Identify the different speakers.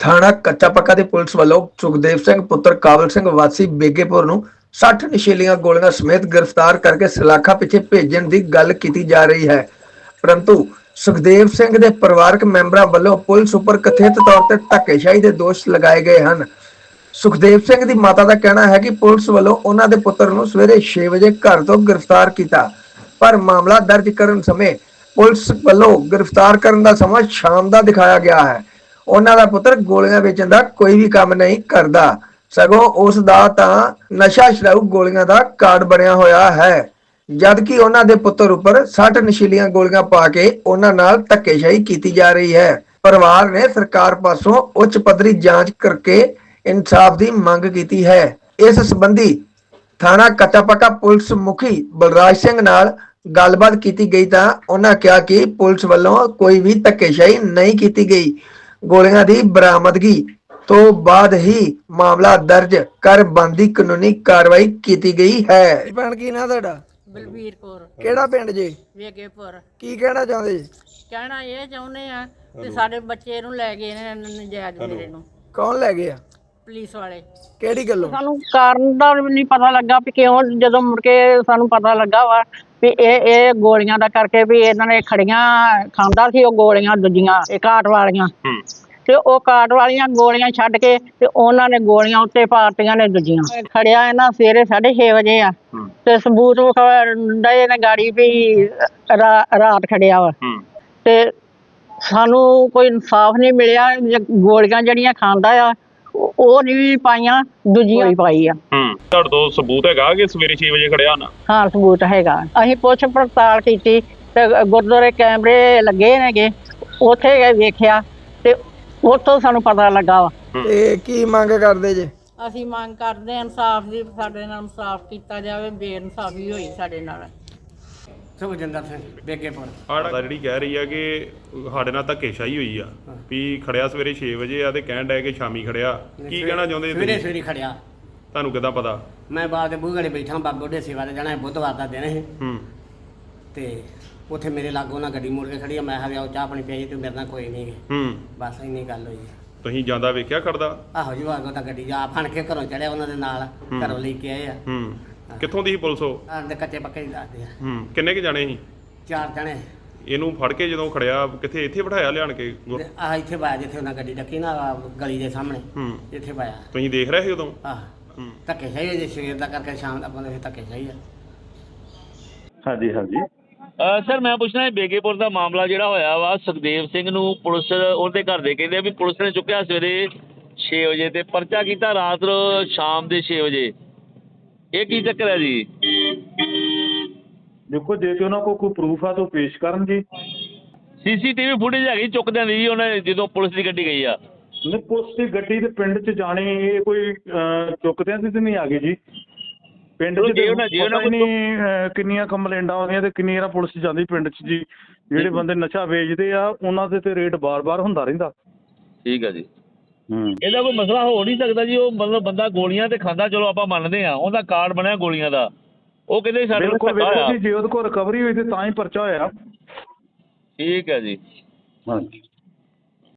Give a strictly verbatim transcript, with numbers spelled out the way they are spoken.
Speaker 1: ਥਾਣਾ ਕੱਚਾ ਪੱਕਾ ਦੀ ਪੁਲਿਸ ਵੱਲੋਂ ਸੁਖਦੇਵ ਸਿੰਘ ਪੁੱਤਰ ਕਾਬਲ ਸਿੰਘ ਵਾਸੀ ਬੇਗੇਪੁਰ ਨੂੰ ਸੱਠ ਨਸ਼ੀਲੀਆਂ ਗੋਲੀਆਂ ਸਮੇਤ ਗ੍ਰਿਫਤਾਰ ਕਰਕੇ ਸਲਾਖਾ ਪਿੱਛੇ ਭੇਜਣ ਦੀ ਗੱਲ ਕੀਤੀ ਜਾ ਰਹੀ ਹੈ। ਪਰੰਤੂ ਸੁਖਦੇਵ ਸਿੰਘ ਦੇ ਪਰਿਵਾਰਕ ਮੈਂਬਰਾਂ ਵੱਲੋਂ ਪੁਲਿਸ ਉੱਪਰ ਕਥਿਤ ਤੌਰ ਤੇ ਧੱਕੇਸ਼ਾਹੀ ਦੇ ਦੋਸ਼ ਲਗਾਏ ਗਏ ਹਨ। ਸੁਖਦੇਵ ਸਿੰਘ ਦੀ ਮਾਤਾ ਦਾ ਕਹਿਣਾ ਹੈ ਕਿ ਪੁਲਿਸ ਵੱਲੋਂ ਉਹਨਾਂ ਦੇ ਪੁੱਤਰ ਨੂੰ ਸਵੇਰੇ ਛੇ ਵਜੇ ਘਰ ਤੋਂ ਗ੍ਰਿਫਤਾਰ ਕੀਤਾ, ਪਰ ਮਾਮਲਾ ਦਰਜ ਕਰਨ ਸਮੇਂ ਪੁਲਿਸ ਵੱਲੋਂ ਗ੍ਰਿਫਤਾਰ ਕਰਨ ਦਾ ਸਮਾਂ ਸ਼ਾਮ ਦਾ ਦਿਖਾਇਆ ਗਿਆ ਹੈ। ਉਹਨਾਂ ਦਾ ਪੁੱਤਰ ਗੋਲੀਆਂ ਵੇਚਣ ਦਾ ਕੋਈ ਵੀ ਕੰਮ ਨਹੀਂ ਕਰਦਾ, ਸਗੋਂ ਉਸ ਦਾ ਤਾਂ ਨਸ਼ਾ ਛਡਾਊ ਗੋਲੀਆਂ ਦਾ ਕਾਰਡ ਬਣਿਆ ਹੋਇਆ ਹੈ, ਜਦਕਿ ਉਹਨਾਂ ਦੇ ਪੁੱਤਰ ਉੱਪਰ ਸੱਠ ਨਸ਼ੀਲੀਆਂ ਗੋਲੀਆਂ ਪਾ ਕੇ ਉਹਨਾਂ ਨਾਲ ਧੱਕੇਸ਼ਾਹੀ ਕੀਤੀ ਜਾ ਰਹੀ ਹੈ। ਪਰਿਵਾਰ ਨੇ ਸਰਕਾਰ ਪਾਸੋਂ ਉੱਚ ਪੱਧਰੀ ਜਾਂਚ ਕਰਕੇ ਇਨਸਾਫ ਦੀ ਮੰਗ ਕੀਤੀ ਹੈ। ਇਸ ਸੰਬੰਧੀ ਥਾਣਾ ਕੱਚਾ ਪੱਕਾ ਪੁਲਿਸ ਮੁਖੀ ਬਲਰਾਜ ਸਿੰਘ ਨਾਲ ਗੱਲਬਾਤ ਕੀਤੀ ਗਈ ਤਾਂ ਉਹਨਾਂ ਕਿਹਾ ਕਿ ਪੁਲਿਸ ਵੱਲੋਂ ਕੋਈ ਵੀ ਧੱਕੇਸ਼ਾਹੀ ਨਹੀਂ ਕੀਤੀ ਗਈ। ਗੋਲੀਆਂ ਦੀ ਬਰਾਮਦਗੀ ਤੋਂ ਬਾਅਦ ਹੀ ਮਾਮਲਾ ਦਰਜ ਕਰ ਬਣਦੀ ਕਾਨੂੰਨੀ ਕਾਰਵਾਈ ਕੀਤੀ ਗਈ ਹੈ। ਭੈਣ ਕੀ ਨਾਂ ਤੁਹਾਡਾ?
Speaker 2: ਬਲਬੀਰ ਕੌਰ।
Speaker 1: ਕਿਹੜਾ ਪਿੰਡ ਜੇ?
Speaker 2: ਵੇਗੇਪੁਰ।
Speaker 1: ਕੀ ਕਹਿਣਾ ਚਾਹੁੰਦੇ ਜੀ?
Speaker 2: ਕਹਿਣਾ ਇਹ ਚਾਹੁੰਦੇ ਆ ਕਿ ਸਾਡੇ ਬੱਚੇ ਨੂੰ ਲੈ ਗਏ ਨੇ ਨਜਾਇਜ਼ ਮੇਰੇ ਨੂੰ।
Speaker 1: ਕੌਣ ਲੈ ਗਏ ਆ?
Speaker 2: ਪੁਲਿਸ ਵਾਲੇ।
Speaker 1: ਕਿਹੜੀ ਗੱਲੋਂ?
Speaker 2: ਸਾਨੂੰ ਕਾਰਨ ਦਾ ਨਹੀਂ ਪਤਾ ਲੱਗਾ ਵੀ ਕਿਉਂ, ਜਦੋਂ ਮੁੜ ਕੇ ਸਾਨੂੰ ਪਤਾ ਲੱਗਾ ਵਾ ਵੀ ਇਹ ਇਹ ਗੋਲੀਆਂ ਦਾ ਕਰਕੇ ਵੀ ਇਹਨਾਂ ਨੇ ਖੜੀਆਂ ਖਾਂਦਾ ਸੀ ਉਹ ਗੋਲੀਆਂ ਦੂਜੀਆਂ ਇਹ ਕਾਟ ਵਾਲੀਆਂ, ਤੇ ਉਹ ਕਾਟ ਵਾਲੀਆਂ ਗੋਲੀਆਂ ਛੱਡ ਕੇ ਤੇ ਉਹਨਾਂ ਨੇ ਗੋਲੀਆਂ ਉੱਤੇ ਪਾਰਟੀਆਂ ਨੇ ਦੂਜੀਆਂ। ਖੜਿਆ ਇਹਨਾਂ ਸਵੇਰੇ ਸਾਢੇ ਛੇ ਵਜੇ ਆ ਤੇ ਸਬੂਤ ਡਏ ਨੇ ਗਾੜੀ ਵੀ ਰਾਤ ਖੜਿਆ ਵਾ, ਤੇ ਸਾਨੂੰ ਕੋਈ ਇਨਸਾਫ ਨਹੀਂ ਮਿਲਿਆ। ਗੋਲੀਆਂ ਜਿਹੜੀਆਂ ਖਾਂਦਾ ਆ ਉਹ ਨਹੀਂ ਪਾਈਆਂ, ਦੂਜੀਆਂ ਹੀ ਪਾਈ ਆ।
Speaker 3: ਤੁਹਾਡੇ ਤੋਂ ਸਬੂਤ ਹੈਗਾ ਕਿ ਸਵੇਰੇ ਛੇ ਵਜੇ ਖੜਿਆ ਨਾ?
Speaker 2: ਹਾਂ ਸਬੂਤ ਹੈਗਾ। ਅਸੀਂ ਪੁੱਛ ਪੜਤਾਲ ਕੀਤੀ ਤੇ ਗੁਰਦੁਆਰੇ ਕੈਮਰੇ ਲੱਗੇ ਨੇਗੇ, ਉੱਥੇ ਗਏ ਵੇਖਿਆ ਤੇ ਉੱਥੋਂ ਸਾਨੂੰ ਪਤਾ ਲੱਗਾ ਵਾ।
Speaker 1: ਤੇ ਕੀ ਮੰਗ ਕਰਦੇ ਜੇ?
Speaker 2: ਅਸੀਂ ਮੰਗ ਕਰਦੇ ਇਨਸਾਫ ਦੀ, ਸਾਡੇ ਨਾਲ ਇਨਸਾਫ ਕੀਤਾ ਜਾਵੇ, ਬੇਇਨਸਾਫੀ ਹੋਈ ਸਾਡੇ ਨਾਲ।
Speaker 4: ਸੁਖਜਿੰਦਰ ਸਿੰਘ ਬੇਗੇਪੁਰ।
Speaker 3: ਆੜਾ ਜਿਹੜੀ ਕਹਿ ਰਹੀ ਆ ਕਿ ਸਾਡੇ ਨਾਲ ਧੱਕੇਸ਼ਾਹੀ ਹੋਈ ਆ ਵੀ ਖੜਿਆ ਸਵੇਰੇ ਛੇ ਵਜੇ ਆ ਤੇ ਕਹਿਣ ਡਿਆ ਕਿ ਸ਼ਾਮੀ ਖੜਿਆ, ਕੀ ਕਹਿਣਾ ਚਾਹੁੰਦੇ?
Speaker 4: ਸਵੇਰੇ ਸਵੇਰੇ ਖੜਿਆ।
Speaker 3: ਤੁਹਾਨੂੰ ਕਿੱਦਾਂ ਪਤਾ? ਮੈਂ
Speaker 4: ਬਾਅਦ ਦੇ ਬੂਹੇ ਬੈਠਾ, ਬਾਬੇ ਦੇ ਸੇਵਾ ਤੇ ਜਾਣਾ, ਬੁੱਧਵਾਰ ਦਾ ਦਿਨ ਸੀ।
Speaker 3: ਹੂੰ।
Speaker 4: ਤੇ ਉੱਥੇ ਮੇਰੇ ਲਾਗੋਂ ਨਾ ਗੱਡੀ ਮੁੜ ਕੇ ਖੜੀ ਆ, ਮੈਂ ਕਿਹਾ ਉਹ ਚਾਹ ਪਾਣੀ ਪੀਈ ਤੇ ਮੇਰੇ ਨਾਲ ਕੋਈ ਨਹੀਂ।
Speaker 3: ਹੂੰ।
Speaker 4: ਬਸ ਇੰਨੀ ਗੱਲ ਹੋਈ।
Speaker 3: ਤੁਸੀਂ ਜਾਂਦਾ ਵੇਖਿਆ ਖੜਦਾ?
Speaker 4: ਆਹੋ ਜੀ, ਆਗੋ ਤਾਂ ਗੱਡੀ ਜਾ ਫੜ ਕੇ ਘਰੋਂ ਚੜਿਆ, ਉਹਨਾਂ ਦੇ ਨਾਲ ਘਰੋਂ ਲੈ ਕੇ ਆਏ ਆ।
Speaker 3: ਹੂੰ। ਕਿੱਥੋਂ ਦੀ ਸੀ ਪੁਲਿਸ ਉਹ?
Speaker 4: ਆਂਦੇ ਕੱਚੇ ਪੱਕੇ ਹੀ ਦੱਸਦੇ ਆ।
Speaker 3: ਹੂੰ। ਕਿੰਨੇ ਕੁ ਜਾਣੇ ਸੀ?
Speaker 4: ਚਾਰ ਜਣੇ।
Speaker 3: ਇਹਨੂੰ ਫੜ ਕੇ ਜਦੋਂ ਖੜਿਆ ਕਿੱਥੇ ਇੱਥੇ ਬਿਠਾਇਆ ਲਿਆਣ ਕੇ?
Speaker 4: ਆਹ ਇੱਥੇ ਪਾਇਆ ਜਿੱਥੇ ਉਹਨਾਂ ਗੱਡੀ ਡੱਕੀ ਨਾ ਗਲੀ ਦੇ ਸਾਹਮਣੇ।
Speaker 3: ਹੂੰ।
Speaker 4: ਇੱਥੇ ਪਾਇਆ।
Speaker 3: ਤੁਸੀਂ ਦੇਖ ਰਹੇ ਸੀ ਉਦੋਂ?
Speaker 4: ਆਹ ਧੱਕੇ ਸਹੀ ਜੇ ਸਵੇਰ ਦਾ ਕਰਕੇ ਸ਼ਾਮ ਦਾ ਬੰਦੇ ਧੱਕੇ ਸਹੀ ਆ।
Speaker 5: ਹਾਂਜੀ ਹਾਂਜੀ
Speaker 6: ਸਰ ਮੈਂ ਪੁੱਛਣਾ ਬੇਗੇਪੁਰ ਦਾ ਮਾਮਲਾ ਜਿਹੜਾ ਹੋਇਆ ਵਾ, ਸੁਖਦੇਵ ਸਿੰਘ ਨੂੰ ਪੁਲਿਸ ਉਹਦੇ ਘਰ ਦੇ ਕਹਿੰਦੇ ਵੀ ਪੁਲਿਸ ਨੇ ਚੁੱਕਿਆ ਸਵੇਰੇ ਛੇ ਵਜੇ ਤੇ ਪਰਚਾ ਕੀਤਾ ਰਾਤ ਸ਼ਾਮ ਦੇ ਛੇ ਵਜੇ, ਇਹ ਕੀ ਚੱਕਰ ਹੈ ਜੀ?
Speaker 5: ਦੇਖੋ ਜੇ ਕਿ ਉਹਨਾਂ ਕੋਲ ਕੋਈ ਪ੍ਰੂਫ ਆ ਤਾਂ ਪੇਸ਼ ਕਰਨ ਜੀ।
Speaker 6: ਸੀਸੀਟੀਵੀ ਫੁਟੇਜ ਹੈਗੀ ਚੁੱਕਦਿਆਂ ਦੀ ਜੀ ਉਹਨੇ ਜਦੋਂ ਪੁਲਿਸ ਦੀ ਗੱਡੀ ਗਈ ਆ?
Speaker 5: ਨਹੀਂ, ਪੁਲਿਸ ਦੀ ਗੱਡੀ ਤੇ ਪਿੰਡ 'ਚ ਜਾਣੀ ਇਹ ਕੋਈ ਚੁੱਕਦਿਆਂ ਦੀ ਤਾਂ ਨਹੀਂ ਆ ਗਈ ਜੀ। ਪਿੰਡ 'ਚ ਪਤਾ ਹੀ ਨਹੀਂ ਕਿੰਨੀਆਂ ਕੰਪਲੇਂਟਾਂ ਆਉਂਦੀਆਂ ਤੇ ਕਿੰਨੀਆਂ ਪੁਲਿਸ ਜਾਂਦੀ ਪਿੰਡ 'ਚ ਜੀ। ਜਿਹੜੇ ਬੰਦੇ ਨਸ਼ਾ ਵੇਚਦੇ ਆ ਉਹਨਾਂ ਦੇ ਤੇ ਰੇਟ ਬਾਰ-ਬਾਰ ਹੁੰਦਾ ਰਹਿੰਦਾ।
Speaker 6: ਠੀਕ ਆ ਜੀ।
Speaker 5: ਹੂੰ।
Speaker 6: ਇਹਦਾ ਕੋਈ ਮਸਲਾ ਹੋ ਨਹੀਂ ਸਕਦਾ ਜੀ? ਉਹ ਮਤਲਬ ਬੰਦਾ ਗੋਲੀਆਂ ਤੇ ਖਾਂਦਾ, ਚਲੋ ਆਪਾਂ ਮੰਨਦੇ ਆ, ਉਹਦਾ ਕਾਰਡ ਬਣਿਆ ਗੋਲੀਆਂ ਦਾ, ਉਹ ਕਹਿੰਦੇ ਸਾਡੇ ਕੋਲ
Speaker 5: ਵੇਖੋ ਜੀ ਜੇ ਉਹਦੇ ਕੋਲ ਰਿਕਵਰੀ ਹੋਈ ਤੇ ਤਾਂ ਹੀ ਪਰਚਾ ਹੋਇਆ।
Speaker 6: ਠੀਕ ਹੈ ਜੀ।
Speaker 5: ਹਾਂਜੀ।